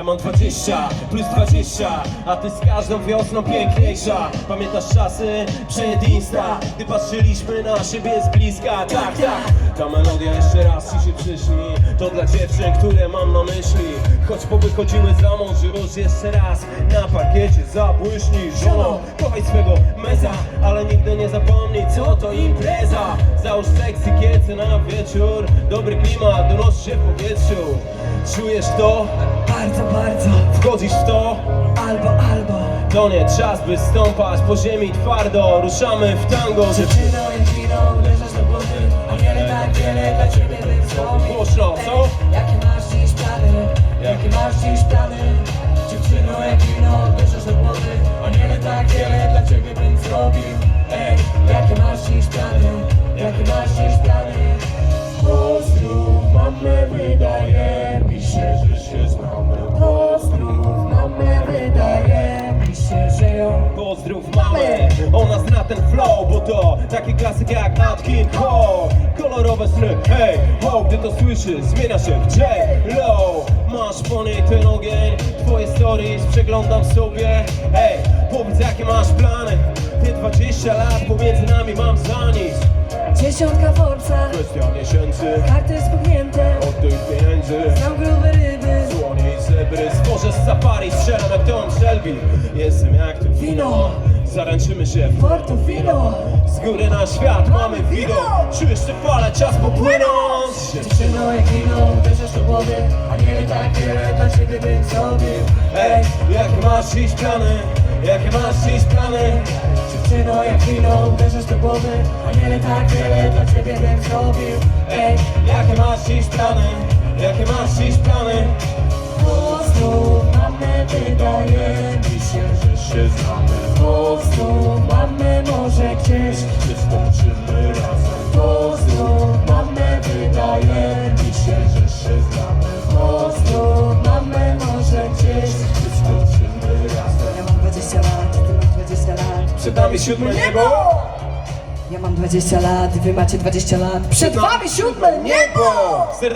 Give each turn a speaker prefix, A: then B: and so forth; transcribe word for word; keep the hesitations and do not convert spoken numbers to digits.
A: mam dwadzieścia plus dwadzieścia, a ty z każdą wiosną piękniejsza. Pamiętasz czasy przed Insta, gdy patrzyliśmy na siebie z bliska. Tak, tak, ta melodia jeszcze raz ci się przyśni. To dla dziewczyn, które mam na myśli. Choć powychodziły za mąż, już jeszcze raz na parkiecie zabłyśnij. Żono, kochaj swego meza, ale nigdy nie zapomnij, co to impreza. Załóż seksy kiece na wieczór, dobry klimat donosi się w powietrzu. Czujesz to?
B: Bardzo, bardzo.
A: Wchodzisz w to?
B: Albo, albo.
A: To nie czas, by stąpać po ziemi twardo. Ruszamy w tango.
B: Dziewczyno, jak wino, uderzasz do głowy. A wiele, tak wiele dla ciebie bym zrobił.
A: Głośno, co?
B: Jakie masz dziś plany? Jakie masz dziś plany? Dziewczyno, jak wino, uderzasz do głowy. A wiele, tak wiele dla ciebie bym zrobił. Ej, jakie masz dziś plany? Jakie masz dziś plany? Pozdrów mamę, wydaje mi się, że się znamy. Pozdrów mamę, wydaje mi się, że ją.
A: Pozdrów mamę, ona zna ten flow, bo to taki klasyk jak Nat King Cole. Kolorowe sny, hej, ho, gdy to słyszysz, zmienia się w J-Lo. Masz po niej ten ogień, twoje stories przeglądam sobie. Hej, powiedz jakie masz plany, te dwadzieścia lat pomiędzy nami mam za nic.
B: Dziesiątka Forbesa,
A: Kwestia miesięcy,
B: karty spuchnięte,
A: od tych pieniędzy.
B: znam grube ryby.
A: Słonie i zebry, stworzę z safari, strzelam jak Tom Shelby. Jestem jak to wino, zaręczymy się w
B: Portofino.
A: z góry na świat mamy widok. Czujesz te fale, czas popłynąć.
B: Dziewczyno, jak wino, uderzasz do głowy. A nie tak wiele dla ciebie bym zrobił.
A: Ej, jakie masz dziś plany? Jakie masz dziś plany?
B: Dziewczyno, jak wino, uderzasz do głowy. A nie tak wiele dla ciebie bym zrobił. Ej,
A: Jakie masz dziś plany? Jakie masz dziś plany?
B: pozdrów mamę, wydaje mi się, że się znamy. Pozdrów mamę, może gdzieś
A: Wystąpimy razem.
B: Pozdrów mamę, wydaje mi się, że się znamy. Pozdrów mamę, może gdzieś
A: Wystąpimy razem.
B: Ja mam dwadzieścia lat, ty masz dwadzieścia lat.
A: Przed nami siódme niebo.
B: Ja mam dwadzieścia lat, wy macie dwadzieścia lat. Przed wami siódme niebo!